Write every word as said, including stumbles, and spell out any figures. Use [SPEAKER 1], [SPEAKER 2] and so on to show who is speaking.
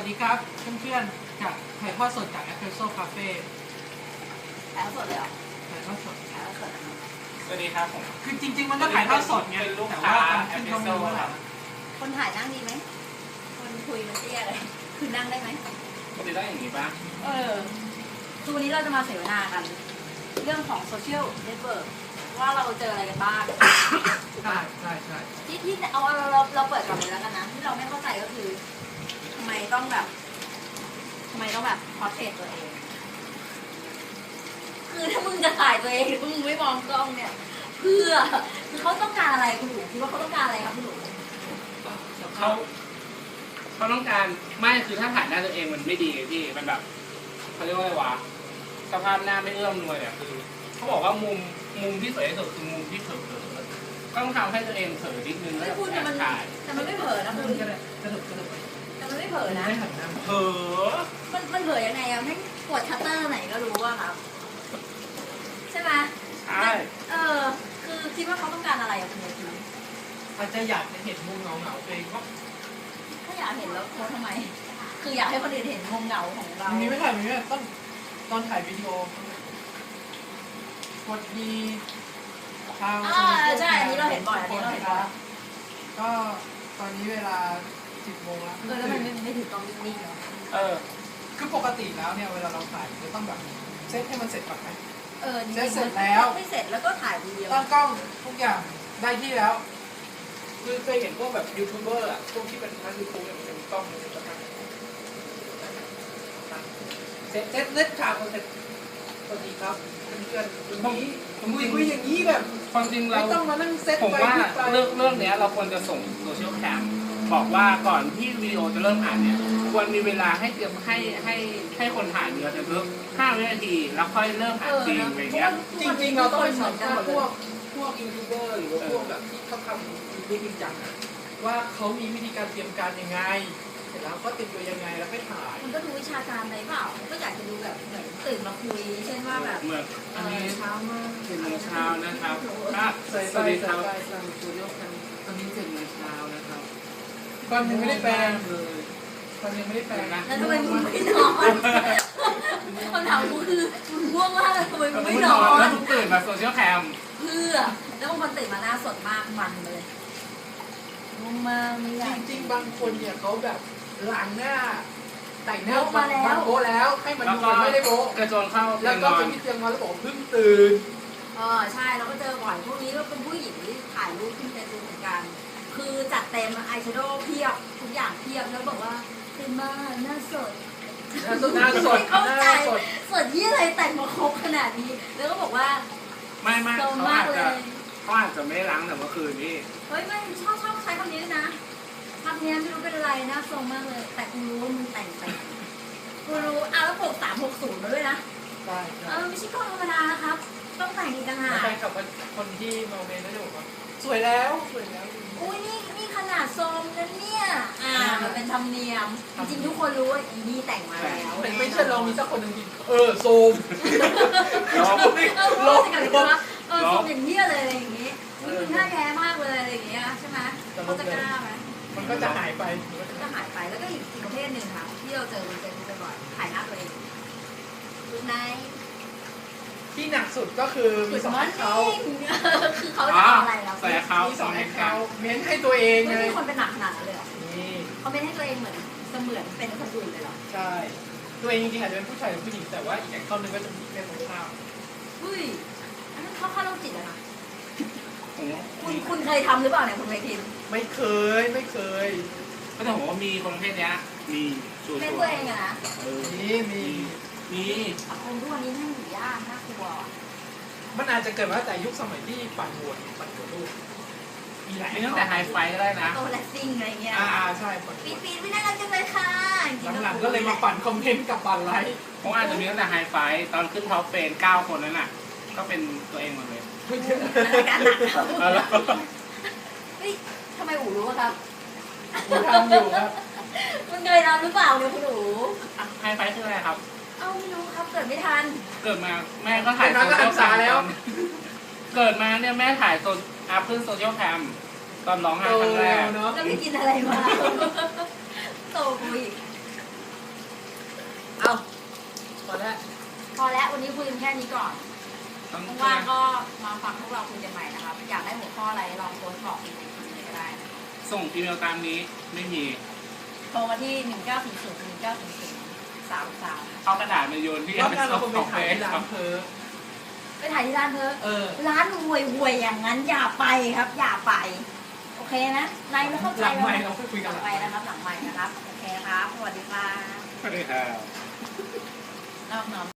[SPEAKER 1] ดีครับเพื่อนๆจากถ่ายทอดสดจาก Espresso Cafe
[SPEAKER 2] ถ่ายทอดสดเลยเหรอ
[SPEAKER 1] ถ่ายทอดสด
[SPEAKER 2] ถ่ายทอดสดนะครับ
[SPEAKER 3] สวัสดีครับผม
[SPEAKER 1] คือจริง ๆ มันก็ถ่ายทอดสดไง
[SPEAKER 3] เป็นลูก
[SPEAKER 1] แต่
[SPEAKER 3] ค้า
[SPEAKER 1] ว่าตอน
[SPEAKER 3] แอ
[SPEAKER 1] ขึ้
[SPEAKER 3] ป
[SPEAKER 1] น
[SPEAKER 3] เปิ
[SPEAKER 1] ก็
[SPEAKER 3] ลโซ
[SPEAKER 1] ไม่รู้
[SPEAKER 3] ค
[SPEAKER 1] แห
[SPEAKER 3] รั
[SPEAKER 1] ละ
[SPEAKER 3] บ
[SPEAKER 2] คนถ่ายนั่งดีไหมคนคุยมันเตี้ยเลยคือนั่งได้ไหม
[SPEAKER 3] ปกติต้องอย่างนี้ป่ะ
[SPEAKER 2] เออคือวันนี้เราจะมาเสวนากัน เรื่องของโซเชียลเน็ตเวิร์กว่าเราเจออะไรกันบ้าง
[SPEAKER 1] ใช่ใช่ใช่
[SPEAKER 2] ที่ที่เอาเราเราเราเปิดก่อนเลยแล้วกันนะที่เราไม่เข้าใจก็คือทำไมต้องแบบทำไมต้องแบบพอร์เทรตตัวเอง คือถ้ามึงจะถ่ายตัวเองมึงไม่มองกล้องเนี่ยเพื่อคือเขาต้องการอะไรคุณหนูคิดว่าเขาต้องการอะไรครับคุณหนู
[SPEAKER 3] เขาเขาต้องการไม่คือถ้าถ่ายหน้าตัวเองมันไม่ดีไงพี่มันแบบเขาเรียกว่าอะไรวะสภาพหน้าไม่เอื้อมหน่วยเนี่ยคือเขาบอกว่ามุมมุมที่สวยที่สุดคือมุมที่เผลอๆก็ต้องทำให้ตัวเองเผลอนิดนึงแล้ว
[SPEAKER 2] ไม่พูดแต่มัน
[SPEAKER 3] ถ่าย
[SPEAKER 2] แต่มันไม่เผลอนะคุณ
[SPEAKER 1] ก็ได้กระดุกกระดุกไป
[SPEAKER 2] แต่มันไม่เผลอนะ
[SPEAKER 1] ไม่หันหน้า
[SPEAKER 3] เผลอ
[SPEAKER 2] มันมันเผลอยังไงอะไม่กดชัตเตอร์ไหนก็รู้อะครับ ใช่ไหม
[SPEAKER 3] ใช่
[SPEAKER 2] เออ คือคิดว่าเขาต้องการอะไรอะคุณยายที
[SPEAKER 1] อาจจะอยากจะเห็นมุมเงาๆตัวเองว่า
[SPEAKER 2] ถ้าอยากเห็นแล้วโพสทำไม คืออยากให้คนอื่นเห็นมุมเหงาของเรา
[SPEAKER 1] มีไม่ถ่ายมีไม่ถ่ายต้องตอนถ่ายวิดีโอกดดีทาง
[SPEAKER 2] อ่าใช่อันนี้เราเห็นบ่อยอันนี้เราเห็นบ่อย
[SPEAKER 1] ก็ตอนนี้เวลาสิบโมงแล้ว
[SPEAKER 2] เออแล้วมันไม่ไม่ถือกล้องนิ่งๆเหรอ
[SPEAKER 3] เออ
[SPEAKER 1] คือปกติแล้วเนี่ยเวลาเราถ่ายจะต้องแบบเซตให้มันเสร็จก่อนไหม
[SPEAKER 2] เออจริง
[SPEAKER 1] เสร็จ
[SPEAKER 2] ๆ
[SPEAKER 1] เสร็
[SPEAKER 2] มั
[SPEAKER 1] จ
[SPEAKER 2] น
[SPEAKER 1] แล้ว
[SPEAKER 2] ไม่เสร็จแล้วก็ถ่ายวีดีโอ
[SPEAKER 1] ตั้งกล้องทุกอย่างได้ที่แล้ว
[SPEAKER 4] คือเคยเห็นพวกแบบยูทูบเบอร์อ่ะพวกที่เป็นนักยูทูบเนี่ยมันจะมีกล้องมันจะตั้งเซ็ตเซ็ตเซ็ตฉากมันเสร็จสวัสดีครับเพื่อนๆวันนี้ผมคุยคุยอย่างนี้แบบ
[SPEAKER 3] ความจริงเรา
[SPEAKER 4] ไม่ต้องมานั่งเซ็ต
[SPEAKER 3] ผม
[SPEAKER 4] ไป
[SPEAKER 3] ว่า
[SPEAKER 4] พูดไป
[SPEAKER 3] เรื่องเรื่องเนี้ยเราควรจะส่งโซเชียลแคมบอกว่าก่อนที่วิดีโอจะเริ่มอ่านเนี่ยควรมีเวลาให้เตรียมให้ให้ให้คนถ่ายเนื้อจะเพิ่มห้าวินาทีแล้วค่อยเริ่ม
[SPEAKER 2] เอ
[SPEAKER 3] อ่าน
[SPEAKER 2] อ
[SPEAKER 3] จริง
[SPEAKER 2] นะ
[SPEAKER 3] อะไร
[SPEAKER 2] เพราะ
[SPEAKER 3] เงี้ย
[SPEAKER 2] ว่า
[SPEAKER 4] จริงๆเราต้องไป
[SPEAKER 2] เห
[SPEAKER 4] สั
[SPEAKER 2] มื
[SPEAKER 4] ม
[SPEAKER 2] อนกัน
[SPEAKER 4] ภา
[SPEAKER 2] หม
[SPEAKER 4] ษ
[SPEAKER 2] ด
[SPEAKER 4] ณ์
[SPEAKER 2] เล
[SPEAKER 4] พวย กพวกยูทูบเบอร์หรือว่าพวกแบบที่เขาทำยูทูบจริงจังอะว่าเขามีวิธีการเตรียมการยังไงเสร็จแล้วก็เตรียมตัวยังไงแล้วไปถ่าย
[SPEAKER 2] มันก็ดูวิชาการอะไรเปล่าก็อยากจะดูแบบเหมือนตื่นมาคุย เช่นว่าแบบ
[SPEAKER 3] เหมือน
[SPEAKER 2] เอ
[SPEAKER 3] อัน
[SPEAKER 2] อ
[SPEAKER 3] นี้
[SPEAKER 2] เช้ามาก
[SPEAKER 3] เจ็ดโมงเช้านะครับอ่ะสวัสดีครับทางสตูดิโอกันตอนนี้เจ็ดโมงเช้านะครับ
[SPEAKER 1] ก่อนยังไม่ได้แปลง
[SPEAKER 3] เลย
[SPEAKER 1] ก่อนยังไม่ได้แปลงนะ
[SPEAKER 2] แล้วทำไมมึงไม่นอนคำถามกูคือมึงง่วงมากเลยทำไมมึงไม่นอน
[SPEAKER 3] แล้วมึงตื่นมาโซเชียลแคม
[SPEAKER 2] เพื่อแล้วบางคนตื่นมาหน้าสดมากมันเลยง่วงมากไม่อยาก
[SPEAKER 4] จริงๆบางคนเนี่ยเขาแบบล้างหน้าแต่งหน้า
[SPEAKER 2] โบ๊ะมาแล้ว
[SPEAKER 4] โบ๊ะแล้วให้มัน
[SPEAKER 3] แล้ว
[SPEAKER 4] ดู
[SPEAKER 3] ก็
[SPEAKER 4] เหมือนไม่ได้โบ๊ะ
[SPEAKER 3] กระโจนเข้า
[SPEAKER 4] แล้ว
[SPEAKER 3] น
[SPEAKER 4] ก็
[SPEAKER 3] อ
[SPEAKER 4] ไป
[SPEAKER 3] น
[SPEAKER 4] ที่เตียงนอนแล้วบอกว่าเพิ่งตื่น
[SPEAKER 2] เออใช่เราก็เจอบ่อยพวกนี้ก็เป็นผู้หญิงที่ถ่ายรูปขึ้นเฟซบุ๊กเหมือนกัน คือจัดเต็มอายแชโดว์เพียบทุกอย่างเพียบแล้วบอกว่าตื่นมาหน้าสด
[SPEAKER 4] หน้าสดหน้าสด
[SPEAKER 2] ไม่เข้า
[SPEAKER 4] ห
[SPEAKER 2] ใจ
[SPEAKER 4] น้าสด
[SPEAKER 2] สดยี่อะไรแต่งมาครบขนาดนี้ แล้วก็บอกว่า
[SPEAKER 3] ไม่ไม่
[SPEAKER 2] โซ
[SPEAKER 3] เขา
[SPEAKER 2] มาก
[SPEAKER 3] อาจ
[SPEAKER 2] เล
[SPEAKER 3] จะ
[SPEAKER 2] ย
[SPEAKER 3] เขาอาจจะไม่ได้ล้างแต่เมื่อคืนนี่
[SPEAKER 2] เฮ้ยไม่ชอบชอบใช้คำนี้ด้วยนะคำนี้ไม่รู้เป็นอะไรนะทรงมากเลย แต่กูรู้ว่ามึงแต่งไปกูรู้อ้าวแล้วปกสามหกศูนย์มาด้วยนะ
[SPEAKER 1] ใช่
[SPEAKER 2] เออไม่ใช่กล้องธรรมดานะครับ ต้องแต่งอีกต่างหาก
[SPEAKER 1] แฟนคลับคนที่มาเมนก็จะบอกว่าสวยแล้วสวยแล้ว
[SPEAKER 2] อุ้ยนี่นี่ขนาดทรงนะเนี่ยอ่ามันเป็นธรรมเนียม จริงๆทุกคนรู้ว่าอีนี่แต่งมาแล้ว
[SPEAKER 4] ไม่ไม่ใช่เรามีสักคนหนึ่งที่เออโซม
[SPEAKER 3] แล้ว
[SPEAKER 2] เออพูดกันเลยว่าเออทรงอย่างเนี้ยเลยอะไรอย่างงี้นี่มึงหน้าแย่มากเลยอะไรอย่างเงี้ยใช่ไหมเขาจะกล้าไหม
[SPEAKER 1] มันก็จะหายไป
[SPEAKER 2] ก็หายไปแล้วก็อีกอีกประเภทหนึ่งค่ะที่เราเจอบนเฟซบุ๊กบ่อยๆถ่ายหน้าตัวเองดูใน
[SPEAKER 1] ที่หนักสุดก็คือมีสองให้เขา
[SPEAKER 2] คือเขาจะเอาอะไรเรา
[SPEAKER 3] ใส่เขา
[SPEAKER 1] มี
[SPEAKER 3] ส
[SPEAKER 1] ส
[SPEAKER 3] อ
[SPEAKER 1] อง ง
[SPEAKER 3] เห
[SPEAKER 1] ให้
[SPEAKER 3] ตุกา
[SPEAKER 1] เขา
[SPEAKER 3] รณ์
[SPEAKER 1] เม้นให้ตัวเอง
[SPEAKER 2] ไม่
[SPEAKER 1] เลย
[SPEAKER 2] มีคนเป็นหนักขนาดนั้นเลยเหรอ
[SPEAKER 1] นี่
[SPEAKER 2] เขาเป็นให้ตัวเองเหมือนเสมือนเป็นคนอื่นเลยเหรอ
[SPEAKER 1] ใช่ตัวเองจริงๆอาจจะเป็นผู้ชายหรือผู้หญิงแต่ว่าอีกอย่างต้นหนึงก็จะมีเป็นของข้าว
[SPEAKER 2] เฮ้ยอันนั้นเข้าข้าโรคจิตอะนะ
[SPEAKER 3] ผม
[SPEAKER 2] คุณคุณเคยทำหรือเปล่าเนี่ยคุณเคยทิม
[SPEAKER 1] ไม่เคยไม่เคย
[SPEAKER 3] ก็จะบอกว่ามีคนประเภทเนี้ยมีชัว
[SPEAKER 2] เป็น
[SPEAKER 3] ร์
[SPEAKER 2] ตัวเองอะนะ
[SPEAKER 3] เออ
[SPEAKER 1] มีมี
[SPEAKER 3] มี
[SPEAKER 2] สังคมทุกวันนี้นั่งอยู่ยากน่ากลัวอะ
[SPEAKER 1] มันอาจจะเกิดมาตั้งแต่ยุคสมัยที่ปั่นหัวปั่นหัวลูกมีหลาย
[SPEAKER 3] มีตั้งแต่ไฮไฟก็ได้นะ
[SPEAKER 2] โตแลสซิ่งอะไรเงี้ย
[SPEAKER 1] อ่าใช่ปั่น
[SPEAKER 2] ปีปีไม่น่ารักจังเลยค่ะจริๆ
[SPEAKER 1] หลังๆก็เลยมาปั่นคอมเมนต์กับปั่นไลค์
[SPEAKER 3] ผมอาจจะมีตั้งแต่ไฮไฟตอนขึ้นท็อปเฟนเก้าคนนั้นน่ะ ก็เป็นตัวเองหมดเลย
[SPEAKER 2] รายการหนักครับ
[SPEAKER 3] เอาละ
[SPEAKER 2] เฮ้ยทำไมอู๋รู้อะครับ
[SPEAKER 1] ผมทำอยู่ครับ
[SPEAKER 2] มันเคยทำหรือเปล่าเนี่ยคุณอู๋
[SPEAKER 3] ไฮไฟคืออะไรครับ
[SPEAKER 2] เอ้าไม่รู้ครับเกิดไม่ทัน
[SPEAKER 3] เกิดมาแม่ก็ถ่ายโซเชียลแคมตอนเกิดมาเนี่ยแม่ถ่ายโซอัพขึ้นโซเชียลแคมตอนร้องไห้
[SPEAKER 1] โต
[SPEAKER 3] ครั้งแร
[SPEAKER 1] แล้
[SPEAKER 3] ก
[SPEAKER 1] วเนาะ
[SPEAKER 2] แล้วไปกินอะไรมา โตกูอีกแค่นี้ก่อน
[SPEAKER 3] ต้อง
[SPEAKER 2] ว่างๆก็มาฟังพวกเราคุยกันใหม่นะครับ อยากได้หัวข้ออะไรลองโพสต์บอกอีกในทีก็ได้นะ
[SPEAKER 3] ส่งอีเมลตามนี้ไม่มี
[SPEAKER 2] โทรมาที่หนึ่งเก้าศูนย์ศูนย์หนึ่งเก้าศูนย์ศูนย์สามสาม
[SPEAKER 3] เอากระดาษมาโยนที่
[SPEAKER 4] รอบหน้าเราคงไป
[SPEAKER 3] ของ
[SPEAKER 4] ถ่าย
[SPEAKER 3] เฟซ
[SPEAKER 4] ที่ร้า
[SPEAKER 3] ครั
[SPEAKER 4] น
[SPEAKER 3] บ
[SPEAKER 4] เพอ
[SPEAKER 2] ไปถ่ายที่ร้านเธอ
[SPEAKER 4] เออ
[SPEAKER 2] ร้านห่วยห่วยๆอย่างนั้นอย่าไปครับ อย่าไป โอเคนะนายไม่เข้าใจ
[SPEAKER 4] หลัง
[SPEAKER 2] เรา
[SPEAKER 4] ไมค์เราค่อยคุย
[SPEAKER 2] ห
[SPEAKER 4] กัน
[SPEAKER 2] ลังไปนะครับหลังไปนะครับ โอเคครับ สวัสดีครับ
[SPEAKER 3] สวัสดีครับ
[SPEAKER 2] นอบน้อม